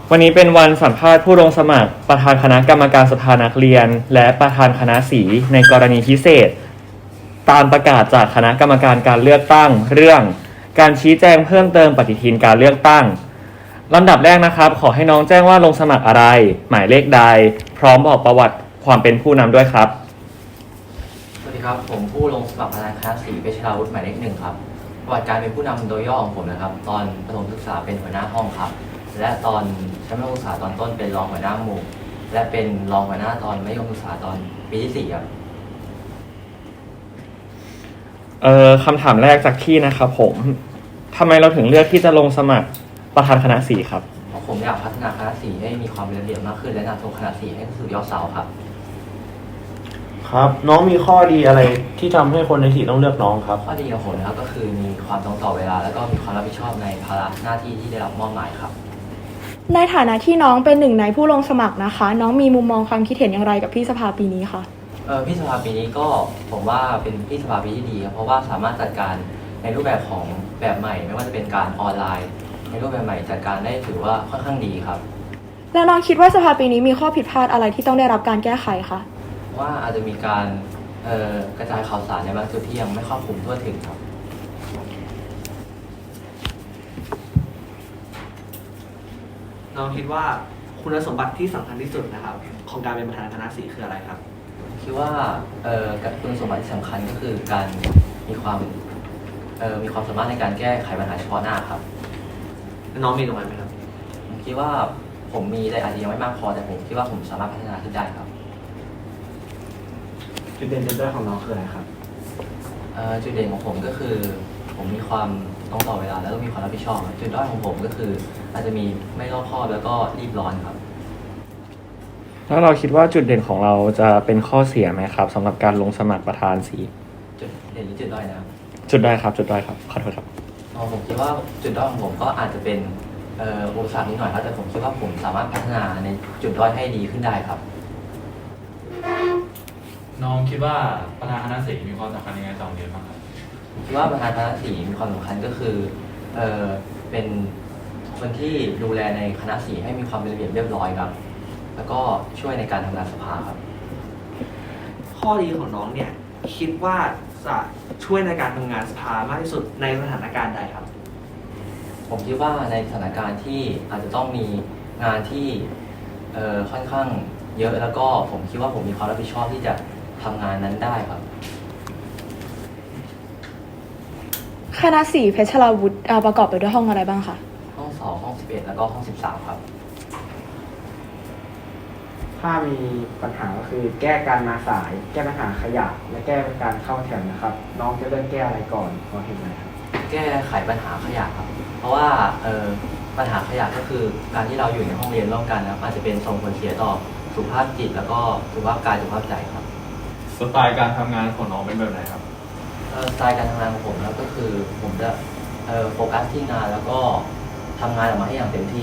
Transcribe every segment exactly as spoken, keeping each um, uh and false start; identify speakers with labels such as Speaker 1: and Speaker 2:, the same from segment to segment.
Speaker 1: วันนี้เป็นวันสัมภาษณ์ผู้ลงสมัครประธานคณะกรรมการสภานักเรียนและประธานคณะสีในกรณีพิเศษตามประกาศจากคณะกรรมการการเลือกตั้งเรื่องการชี้แจงเพิ่มเติมปฏิทินการเลือกตั้งลำดับแรกนะครับขอให้น้องแจ้งว่าลงสมัครอะไรหมายเลขใดพร้อมบอกประวัติความเป็นผู้นำด้วยครับ
Speaker 2: สวัสดีครับผมผู้ลงสมัครประธานคณะสีเพชรราวุฒิหมายเลขหนึ่งครับประวัติการเป็นผู้นำโดยย่อของผมนะครับตอนประถมศึกษาเป็นหัวหน้าห้องครับและตอนชั้นมัธยมศึกษาตอนต้นเป็นรองหัวหน้าหมู่และเป็นรองหัวหน้าตอนมัธยมศึกษาตอนปีที่สี่ครับ
Speaker 1: เอ่อคำถามแรกจากที่นะครับผมทำไมเราถึงเลือกที่จะลงสมัครประธานคณะสีครับ
Speaker 2: เพราะผมอยากพัฒนาคณะสีให้มีความเป็นระเบียบมากขึ้นและนำส่งคณะสีให้สู่ยอดเสาครับ
Speaker 3: ครับน้องมีข้อดีอะไรที่ทำให้คนในสีต้องเลือกน้องครับ
Speaker 2: ข้อดีของผมนะครับก็คือมีความตรงต่อเวลาแล้วก็มีความรับผิดชอบในภาระหน้าที่ที่ได้รับมอบหมายครับ
Speaker 4: ในฐานะที่น้องเป็นหนึ่งในผู้ลงสมัครนะคะน้องมีมุมมองความคิดเห็นอย่างไรกับพี่สภาปีนี้คะ
Speaker 2: เออพี่สภาปีนี้ก็ผมว่าเป็นพี่สภาปีที่ดีครับเพราะว่าสามารถจัดการในรูปแบบของแบบใหม่ไม่ว่าจะเป็นการออนไลน์ในรูปแบบใหม่จัดการได้ถือว่าค่อนข้างดีครับ
Speaker 4: แล้วน้องคิดว่าสภาปีนี้มีข้อผิดพลาดอะไรที่ต้องได้รับการแก้ไขคะ
Speaker 2: ว่าอาจจะมีการกระจายข่าวสารในบางจุดที่ยังไม่ครอบคลุมทั่วถึงครับ
Speaker 5: น้องคิดว่าคุณสมบัติที่สำคัญที่สุดนะครับของการเป็นประธานคณะสีคืออะไรครับ
Speaker 2: คิดว่าคุณสมบัติที่สำคัญก็คือการมีความมีความสามารถในการแก้ไขปัญหาเฉพาะหน้าครับ
Speaker 5: น้องมีตรงนั้นไหมครับ
Speaker 2: ผมคิดว่าผมมีแต่อาจจะยังไม่มากพอแต่ผมคิดว่าผมสามารถพัฒนาขึ้นได้ครับ
Speaker 5: จุดเด่นจุดด้อยของน้องคืออะไรครับ
Speaker 2: จุดเด่นของผมก็คือผมมีความต้องต่อเวลาแล้วก็มีความรับผิดชอบจุดด้อยของผมก็คืออาจจะมีไม่รอบคอบแล้วก็รีบร้อนครับ
Speaker 1: แล้วเราคิดว่าจุดเด่นของเราจะเป็นข้อเสียไหมครับสำหรับการลงสมัครประธานสี
Speaker 2: จุดเด่นหรือจุดด้อยนะครับ
Speaker 1: จุดด้อยครับจุดด้อยครับขอโทษครับ
Speaker 2: ผมคิดว่าจุดด้อยของผมก็อาจจะเป็นอุปสรรคนิดหน่อยครับแต่ผมคิดว่าผมสามารถพัฒนาในจุดด้อยให้ดีขึ้นได้ครับ
Speaker 6: น้องคิดว่าประธานคณะสีมีความสำคัญยังไงต่อเรียนบ้างครับ
Speaker 2: คิดว่าประธานคณะสีมีความสำคัญก็คือเออเป็นคนที่ดูแลในคณะสีให้มีความเป็นระเบียบเรียบร้อยครับแล้วก็ช่วยในการทำงานสภาครับ
Speaker 5: ข้อดีของน้องเนี่ยคิดว่าจะช่วยในการทำงานสภามากที่สุดในสถานการณ์ใดครับ
Speaker 2: ผมคิดว่าในสถานการณ์ที่อาจจะต้องมีงานที่เอ่อค่อนข้างเยอะแล้วก็ผมคิดว่าผมมีความรับผิดชอบที่จะทำงานนั้นได้ครับ
Speaker 4: คณะสีเพชรราวุฒิประกอบไปด้วยห้องอะไรบ้างคะ
Speaker 2: ห้องสองห้องสิบเอ็ดแล้วก็ห้องสิบสามครับ
Speaker 3: ถ้ามีปัญหาก็คือแก้การมาสายแก้ปัญหาขยะและแก้การเข้าแถวนะครับน้องจะเริ่มแก้อะไรก่อนพอเห็นไหมครับ
Speaker 2: แก้ไขปัญหาขยะครับเพราะว่าเอ่อปัญหาขยะก็คือการที่เราอยู่ในห้องเรียนร่วมกันแล้วอาจจะเป็นส่งผลเสียต่อสุขภาพจิตแล้วก็สุขภาพกายสุขภาพใจครับ
Speaker 6: สไตล์การทำงานของน้องเป็นแบบไหนครับ
Speaker 2: สไตล์การทำงานของผมแล้วก็คือผมจะโฟกัสที่งานแล้วก็ทำงานออกมาให้อย่างเต็มที่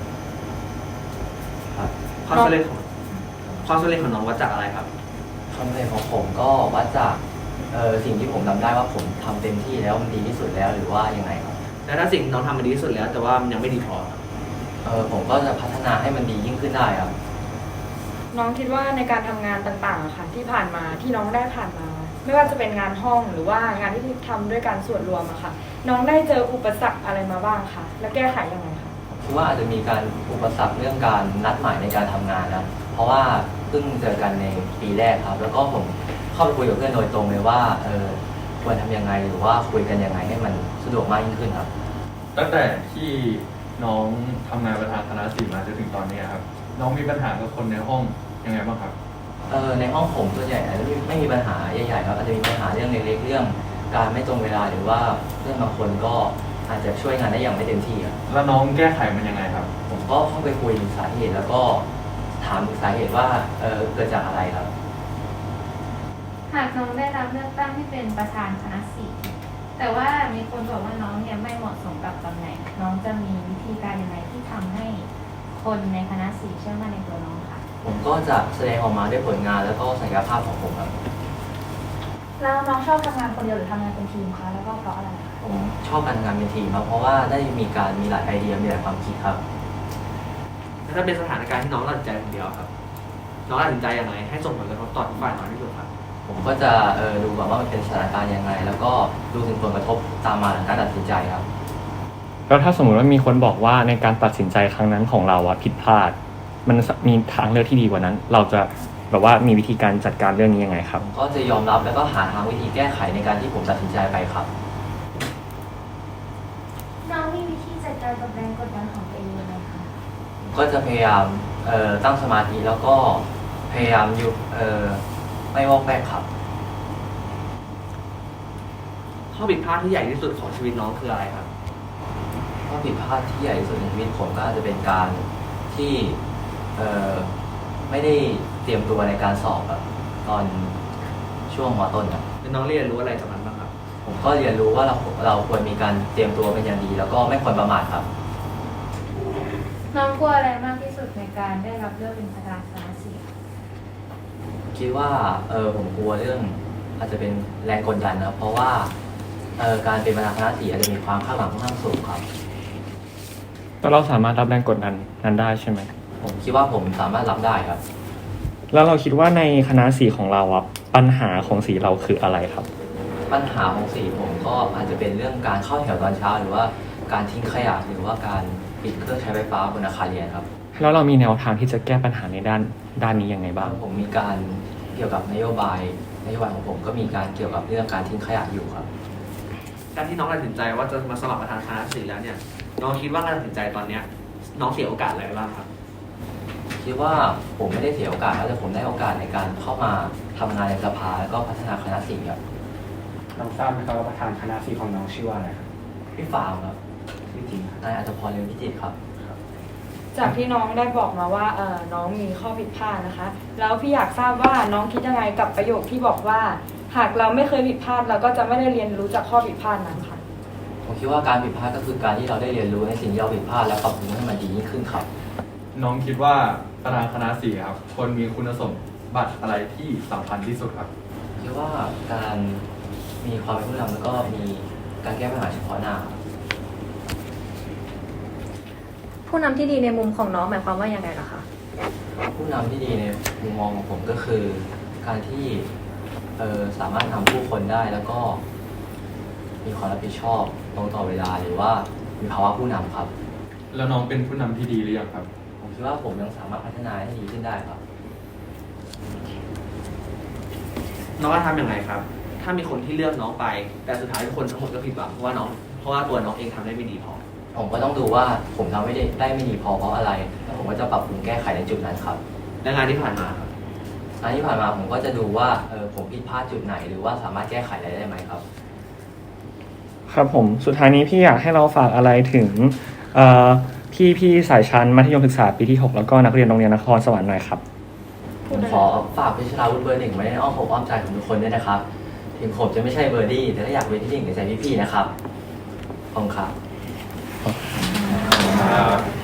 Speaker 2: ครับ
Speaker 5: ความสำเร็จของความสำเร็จของน้องวัดจากอะไรครับ
Speaker 2: ความสำเร็จของผมก็วัดจากสิ่งที่ผมทำได้ว่าผมทำเต็มที่แล้วมันดีที่สุดแล้วหรือว่ายังไงครับ
Speaker 5: แล้วถ้าสิ่งน้องทำมันดีที่สุดแล้วแต่ว่ามันยังไม่ดีพอ
Speaker 2: เออผมก็จะพัฒนาให้มันดียิ่งขึ้นได้ครับ
Speaker 4: น้องคิดว่าในการทำงานต่างๆค่ะที่ผ่านมาที่น้องได้ผ่านมาไม่ว่าจะเป็นงานห้องหรือว่างานที่ทำด้วยการส่วนรวมอะค่ะน้องได้เจออุปสรรคอะไรมาบ้างคะและแก้ไขยังไงคะ
Speaker 2: คือว่าอาจจะมีการอุปสรรคเรื่องการนัดหมายในการทำงานนะเพราะว่าเพิ่งเจอกันในปีแรกครับแล้วก็ผมเข้าไปคุยกับเพื่อนโดยตรงเลยว่าเออควรทำยังไงหรือว่าคุยกันยังไงให้มันสะดวกมากยิ่งขึ้นครับ
Speaker 6: ตั้งแต่ที่น้องทำงานประธานคณะสีมาจนถึงตอนนี้ครับน้องมีปัญหากับคนในห้องยังไงบ้างครับ
Speaker 2: เออในห้องผมส่วนใหญ่อาจจะไม่มีปัญหาใหญ่ๆครับอาจจะมีปัญหาเรื่องเล็กๆเรื่องการไม่ตรงเวลาหรือว่าเรื่องบางคนก็อาจจะช่วยงานได้อย่างไม่เต็มที่ครับ
Speaker 6: แล้วน้องแก้ไขมันยังไงครับ
Speaker 2: ผมก็เข้าไปคุยสาเหตุแล้วก็ถามสาเหตุว่าเออเกิดจากอะไรครับ
Speaker 7: หากน้องได้รับเลือกตั้งให้เป็นประธานคณะสีแต่ว่ามีคนบอกว่าน้องเนี่ยไม่เหมาะสมกับตำแหน่งน้องจะมีวิธีการยังไงที่ทำให้คนในคณะสีเชื่อมั่นในตัวน้องค่ะ
Speaker 2: ผมก็จะแสดงออกมาด้วยผลงานแล้วก็ศักยภาพของผมครับ
Speaker 4: แล้วน้องชอบทำงานคนเดียวหรือทำงานเป็นทีมคะแล้วก็เพราะอะไร
Speaker 2: ผมชอบการทำงานเป็นทีมครับเพราะว่าได้มีการมีหลายไอเดียมีหลายความคิดครับ
Speaker 5: ถ้าเป็นสถานการณ์ที่น้องตัดสินใจคนเดียวครับ น้องตัดสินใจยังไงให้ส่งผลกระทบต่อทุกฝ่ายน้อยที่สุดครับ
Speaker 2: ผมก็จะเออดูก่อนว่ามันเป็นสถานการณ์ยังไง แล้วก็ดูถึงผลกระทบตามมาหลังการตัดสินใจครับ
Speaker 1: แล้วถ้าสมมุติว่ามีคนบอกว่าในการตัดสินใจครั้งนั้นของเราอะผิดพลาด มันมีทางเลือกที่ดีกว่านั้น เราจะแบบว่ามีวิธีการจัดการเรื่องนี้ยังไงครับ
Speaker 2: ก็จะยอมรับแล้วก็หาทางวิธีแก้ไขในการที่ผมตัดสินใจไปครับ
Speaker 7: น้องมีวิธีจัดการกับแรงกดดันของตัวเองยังไงคะ
Speaker 2: ก็จะพยายามเอ่อตั้งสมาธิแล้วก็พยายามอยู่เอ่อไม่วอกแวกครับ
Speaker 5: ข้อผิดพลาดที่ใหญ่ที่สุดของชีวิตน้องคืออะไรครับ
Speaker 2: ข้อผิดพลาดที่ใหญ่ที่สุดในชีวิตผมก็อาจจะเป็นการที่เอ่อไม่ได้เตรียมตัวในการสอบแบบตอนช่วงมต้นครับ
Speaker 5: น้องเรียนรู้อะไรจากมันบ้างครับ
Speaker 2: ผมก็เรียนรู้ว่าเราเราควรมีการเตรียมตัวเป็นอย่างดี แล้วก็ไม่ควรประมาทครับ
Speaker 7: น้องกลัวอะไรมากที่สุดในการได้รับเลือกเป็นประธานคณะศิลป์
Speaker 2: คิดว่าเออผมกลัวเรื่องอาจจะเป็นแรงกดดันนะครับเพราะว่าเออการเป็นประธานคณะสีอาจจะมีความคาดหวังค่อนข้างสูงครับ
Speaker 1: แล้วเราสามารถรับแรงกดดันนั้นได้ใช่ไหม
Speaker 2: ผมคิดว่าผมสามารถรับได้ครับ
Speaker 1: แล้วเราคิดว่าในคณะสีของเราอะปัญหาของสีเราคืออะไรครับ
Speaker 2: ปัญหาของสีผมก็อาจจะเป็นเรื่องการเข้าแถวตอนเช้า หรือว่าการทิ้งขยะหรือว่าการปิดเครื่องใช้ไฟฟ้าบนอาคารเรียนครับ
Speaker 1: แล้วเรามีแนวทางที่จะแก้ปัญหาในด้านด้านนี้ยังไงบ้าง
Speaker 2: ผมมีการเกี่ยวกับนโยบายนโยบายของผมก็มีการเกี่ยวกับเรื่องการทิ้งขยะอยู่ครับ
Speaker 5: การที่น้องตัดสินใจว่าจะมาสมัครประธานคณะศิลป์แล้วเนี่ย น้องคิดว่าการตัดสินใจตอนเนี้ยน้องเสียโอกาสอะไรบ้างครับ
Speaker 2: คิดว่าผมไม่ได้เสียโอกาสแต่ผมได้โอกาสในการเข้ามาทำงานในสภาแล้วก็พัฒนาคณะสีครับ
Speaker 3: น้องทราบไหมครับว่าประธานคณะสีของน้องชื่อว่าอะไรครับ
Speaker 2: พี่ฟางครับ
Speaker 3: ชื่อจริงครับ
Speaker 2: นายอัตพรเรืองพิจิตรครับ
Speaker 4: จากที่น้องได้บอกมาว่าเออน้องมีข้อผิดพลาดนะคะ แล้วพี่อยากทราบว่าน้องคิดยังไงกับประโยคที่บอกว่า หากเราไม่เคยผิดพลาดเราก็จะไม่ได้เรียนรู้จากข้อผิดพลาดนั้นค่ะ
Speaker 2: ผมคิดว่าการผิดพลาดก็คือการที่เราได้เรียนรู้ในสิ่งที่เราผิดพลาดและปรับปรุงให้มันดียิ่งขึ้นครับ
Speaker 6: น้องคิดว่าประธานคณะสี่ครับควรมีคุณสมบัติอะไรที่สำคัญที่สุดครับ
Speaker 2: คิดว่าการมีความเป็นผู้นำแล้วก็มีการแก้ปัญหาเฉพาะหน้าครับ
Speaker 8: ผู้นำที่ดีในมุมของน้องหมายความว่ายังไงล่ะคะ
Speaker 2: ผู้นำที่ดีในมุมมองของผมก็คือ การที่เออสามารถนำผู้คนได้แล้วก็ มีความรับผิดชอบตรงต่อเวลาหรือว่ามีภาวะผู้นำครับ
Speaker 6: แล้วน้องเป็นผู้นำที่ดีหรือยังครับ
Speaker 2: ผมคิดว่าผมยังสามารถพัฒนาให้ดีขึ้นได้ครับ
Speaker 5: น้องจะทำยังไงครับ ถ้ามีคนที่เลือกน้องไป แต่สุดท้ายทุกคนทั้งหมดก็ผิดหวังเพราะว่าน้อง เพราะว่าตัวน้องเองทำได้ไม่ดีพอ
Speaker 2: ผมก็ต้องดูว่าผมทำไม่ได้ได้ไม่ดีพอเพราะอะไรแล้วผมก็จะปรับปรุงแก้ไขในจุดนั้นครับ
Speaker 5: และงานที่ผ่านมาครับ
Speaker 2: งานที่ผ่านมาผมก็จะดูว่าเออผมผิดพลาดจุดไหน หรือว่าสามารถแก้ไขอะไรได้ไหมครับ
Speaker 1: ครับผมสุดท้ายนี้พี่อยากให้เราฝากอะไรถึงเอ่อพี่พี่สายชั้นมัธยมศึกษาปีที่หกแล้วก็นักเรียนโรงเรียนนครสวรรค์หน่อยครับ
Speaker 2: ผมขอฝากพิชราวุฒิเบอร์หนึ่งไว้ในอ้อมอกอ้อมใจของทุกคนด้วยนะครับ ถึงผมจะไม่ใช่เบอร์ดี้แต่ก็อยากเป็นที่หนึ่งในใจพี่ๆนะครับขอบคุณครับ
Speaker 6: ครับ